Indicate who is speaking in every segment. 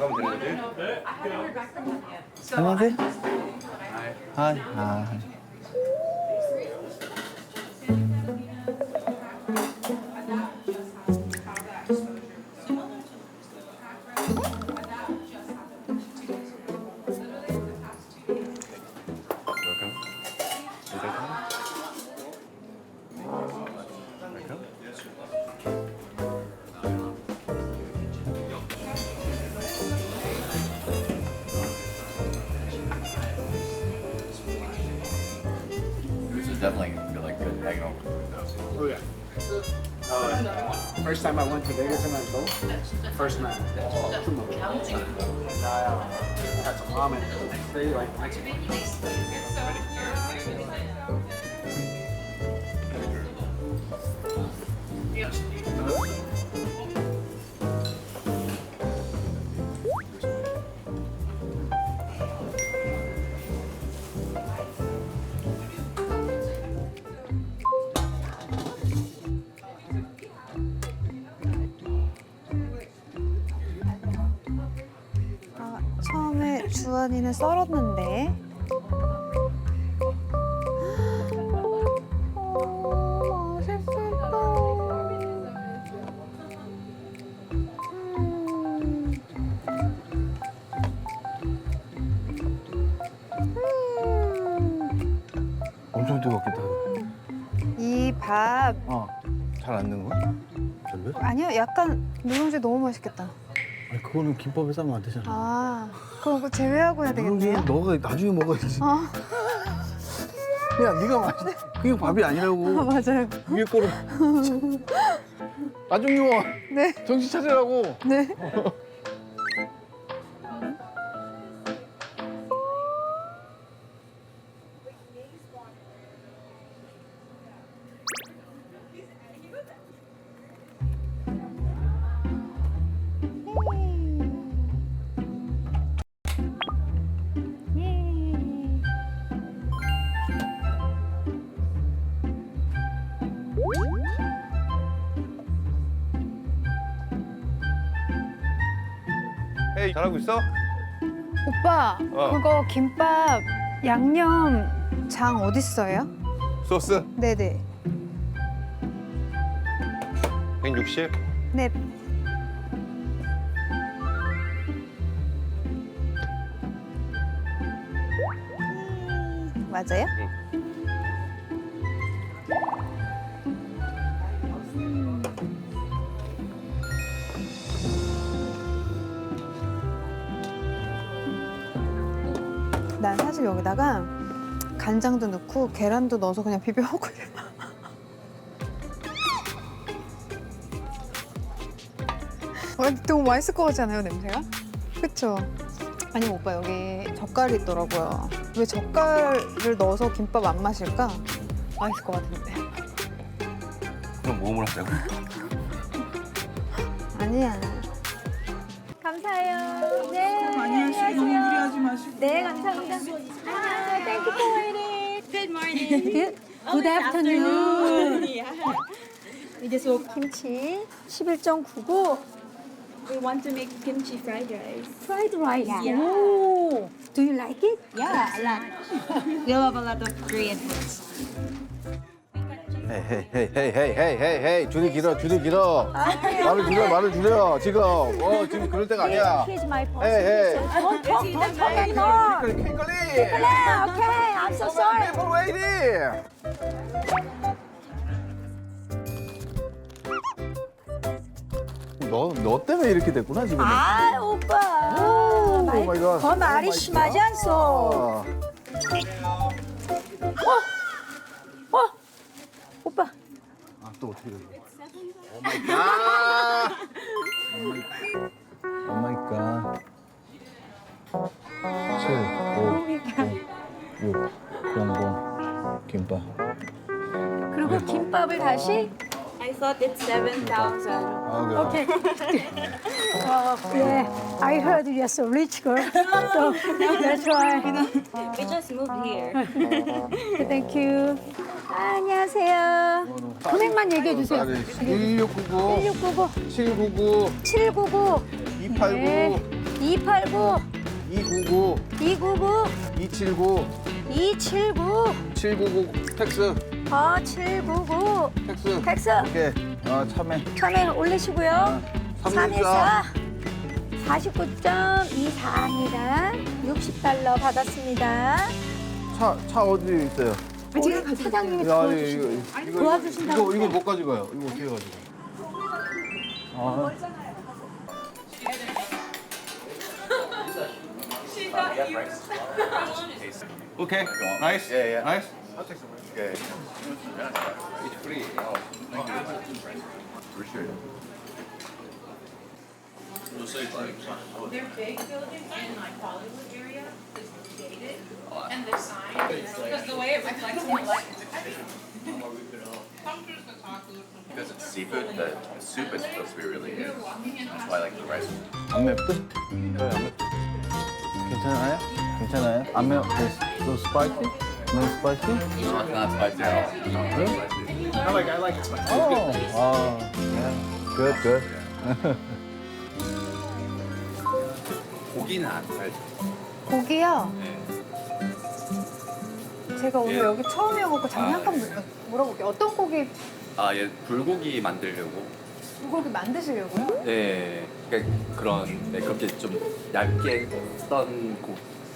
Speaker 1: 나가면 되는 거지?
Speaker 2: 안녕하세요. 하이. 하이.
Speaker 1: Welcome. Welcome.
Speaker 3: This is definitely like good hanging out.
Speaker 4: Oh yeah. First time I went to Vegas in my boat. First night. 2 months. And I had some ramen. They like Mexican.
Speaker 5: 처음에 주원이는 썰었는데. 맛있겠다.
Speaker 2: 엄청 뜨겁겠다.
Speaker 5: 이 밥
Speaker 2: 잘 안 넣은 거야? 별로?
Speaker 5: 아니요, 약간 누룽지 너무 맛있겠다.
Speaker 2: 아니 그거는 김밥에 싸면 안 되잖아.
Speaker 5: 아, 그거 제외하고 해야 되겠네요.
Speaker 2: 누룽지는 너가 나중에 먹어야지.
Speaker 5: 아,
Speaker 2: 야 네가 맛있. 그게 밥이 아니라고.
Speaker 5: 맞아요.
Speaker 2: 위에 거로. 나중에 와.
Speaker 5: 네,
Speaker 2: 정신 차리라고.
Speaker 5: 네.
Speaker 1: 헤이, 잘하고 있어?
Speaker 5: 오빠, 그거 김밥 양념 장 어딨어요?
Speaker 1: 소스
Speaker 5: 네네.
Speaker 1: 160.
Speaker 5: 네. 맞아요? 난 사실 여기다가 간장도 넣고 계란도 넣어서 그냥 비벼 먹거든요. 너무 맛있을 것 같지 않아요, 냄새가? 그쵸? 아니 오빠 여기 젓갈이 있더라고요. 왜 젓갈을 넣어서 김밥 안 마실까? 맛있을 것 같은데.
Speaker 1: 그럼 모험을 하자고.
Speaker 5: 아니야. 감사해요. 네.
Speaker 6: 많이 하시고 너무 무리하지 마시고.
Speaker 5: 네, 감사합니다. 아, thank you for waiting.
Speaker 7: Good morning.
Speaker 5: Good afternoon.
Speaker 7: We just woke.
Speaker 5: 김치 11.99.
Speaker 7: We want to make kimchi fried rice.
Speaker 5: Fried rice.
Speaker 7: Yeah.
Speaker 5: Oh, do you like it?
Speaker 7: Yeah, a lot. We love a lot of Korean foods.
Speaker 2: 헤이. 줄이 길어. 말을 줄여. 지금 그럴 때가 아니야.
Speaker 5: Here's my boss.
Speaker 2: 헤이.
Speaker 5: Talk anymore.
Speaker 2: 킹클리.
Speaker 5: Okay, I'm so sorry.
Speaker 2: People waiting. 너 때문에 이렇게 됐구나 지금.
Speaker 8: 아 오빠
Speaker 2: 오 마이 갓.
Speaker 8: 더 말이 심하지 않소. 오빠
Speaker 2: 또 어떻게 된 거야? 오 마이 갓. 오 마이 갓. 7, 5, 6, 0, 김밥.
Speaker 8: 그리고 김밥을 다시
Speaker 7: I thought it's 7,000.
Speaker 2: 아, 그래.
Speaker 8: yeah I heard you're so rich girl so that's why
Speaker 7: We just moved here.
Speaker 8: thank you. 안녕하세요. 금액만 얘기해 주세요.
Speaker 2: 1699,
Speaker 8: 1699
Speaker 2: 799,
Speaker 8: 799
Speaker 2: 289,
Speaker 8: 289,
Speaker 2: 299,
Speaker 8: 299,
Speaker 2: 279,
Speaker 8: 279,
Speaker 2: 799 텍스.
Speaker 8: 799.
Speaker 2: 텍스.
Speaker 8: 텍스.
Speaker 2: 오케이. 참외.
Speaker 8: 참외 올리시고요.
Speaker 2: 314.
Speaker 8: 49.24입니다. 60달러 받았습니다.
Speaker 2: 차 어디 있어요?
Speaker 8: 제가 사장님이
Speaker 2: 야,
Speaker 8: 도와주신다고.
Speaker 2: 이거 못 가져가요. 이거 어떻게 가져가? 아.
Speaker 1: 오케이. 나이스.
Speaker 3: Yeah, yeah.
Speaker 1: 나이스.
Speaker 3: Okay. It's free. Oh, thank you. For sure.
Speaker 9: Their big building in like Hollywood area is dated, and the sign, because the way it reflects the light.
Speaker 3: Because it's seafood, the soup is supposed to be really good. That's why I like the rice.
Speaker 2: 안 맵듯? 네, 안 맵듯. 괜찮아요? 괜찮아요? 안 매워? No spicy? No spicy?
Speaker 3: Not spicy at all.
Speaker 4: I like it spicy.
Speaker 2: Oh, yeah. Good, good.
Speaker 3: 고기는 안 살죠.
Speaker 5: 고기요.
Speaker 3: 네.
Speaker 5: 제가 오늘
Speaker 3: 예.
Speaker 5: 여기 처음이어갖고 잠깐 물어볼게요. 어떤 고기
Speaker 3: 아, 얘 불고기 만들려고.
Speaker 5: 불고기 만드시려고요?
Speaker 3: 네. 그러니까 그런 그렇게 좀 얇게 썬 고기.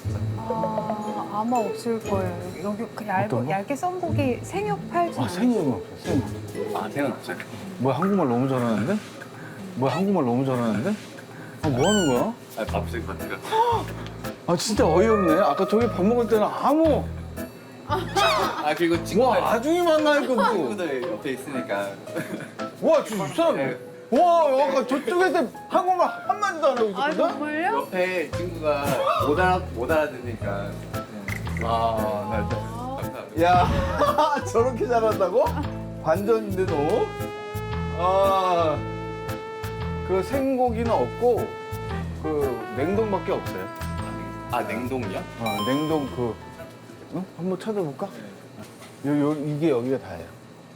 Speaker 5: 아마 없을 거예요. 여기 그
Speaker 2: 어떤 거?
Speaker 5: 얇게 썬 고기 생육 팔지 않아요?
Speaker 2: 생각은 없어, 생각.
Speaker 3: 아, 생각 없어요.
Speaker 2: 뭐야, 한국말 너무 잘하는데? 뭐야, 한국말 너무 잘하는데? 뭐 하는 거야?
Speaker 3: 아, 밥실 같은
Speaker 2: 아, 진짜 어이없네. 아까 저기 밥 먹을 때는 아무.
Speaker 3: 아, 그리고 친구들.
Speaker 2: 와, 아중이 만나니까 뭐.
Speaker 3: 친구들 옆에 있으니까.
Speaker 2: 와, 진짜. 와, 아까 저쪽에서 한국말 한마디도 안 하고
Speaker 5: 아,
Speaker 2: 있었거든?
Speaker 5: 정말요?
Speaker 3: 옆에 친구가 못 알아듣으니까.
Speaker 2: 아,
Speaker 3: 감사합니다.
Speaker 2: 야, 저렇게 잘한다고? 반전인데 너? 아, 그 생고기는 없고 그 냉동밖에 없어요.
Speaker 3: 아, 냉동이요?
Speaker 2: 냉동 그, 응? 한번 찾아볼까? 이게 여기가 다예요.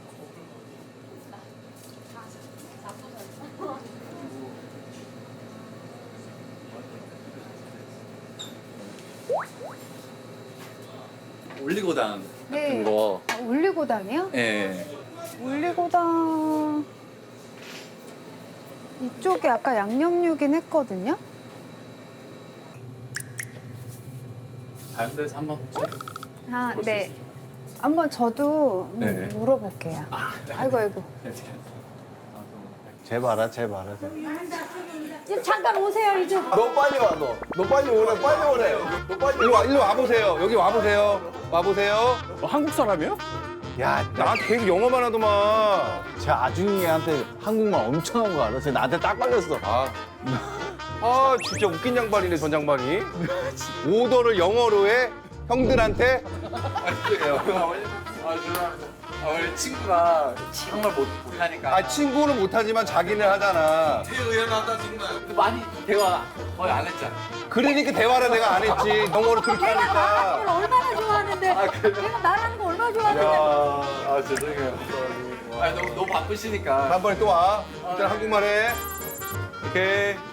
Speaker 3: 올리고당
Speaker 5: 네.
Speaker 3: 같은 거.
Speaker 5: 올리고당이요?
Speaker 3: 예.
Speaker 5: 올리고당 이쪽에 아까 양념육인 했거든요?
Speaker 3: 다른 데서 한번
Speaker 5: 아, 네. 한번 저도
Speaker 3: 네.
Speaker 5: 물어볼게요. 아이고, 아이고.
Speaker 2: 쟤 봐라, 쟤 봐라.
Speaker 8: 지금 잠깐 오세요, 이쪽.
Speaker 2: 너 빨리 와, 너. 너 빨리 오래, 빨리 오래. 너 빨리
Speaker 1: 일로 와보세요. 여기 와보세요. 와보세요.
Speaker 2: 한국 사람이요?
Speaker 1: 야, 나한테 계속 영어만 하더만.
Speaker 2: 쟤 아중이한테 한국말 엄청 한 거 알아? 쟤 나한테 딱 걸렸어.
Speaker 1: 아, 진짜 웃긴 양반이네, 전 양반이. 오더를 영어로 해? 형들한테?
Speaker 3: 원래 친구가 정말 못하니까.
Speaker 1: 아, 친구는 못하지만 자기는 하잖아.
Speaker 3: 근데 많이 대화 거의 안 했잖아.
Speaker 1: 그러니까 대화를 내가 안 했지. 영어를 그렇게
Speaker 8: 내가
Speaker 1: 하니까.
Speaker 8: 말하는 걸 얼마나 좋아하는데. 내가 말하는 거 얼마나 좋아하는데.
Speaker 3: 죄송해요. 아, 너무 바쁘시니까.
Speaker 1: 다음번에 또 와. 일단 한국말 해. 오케이.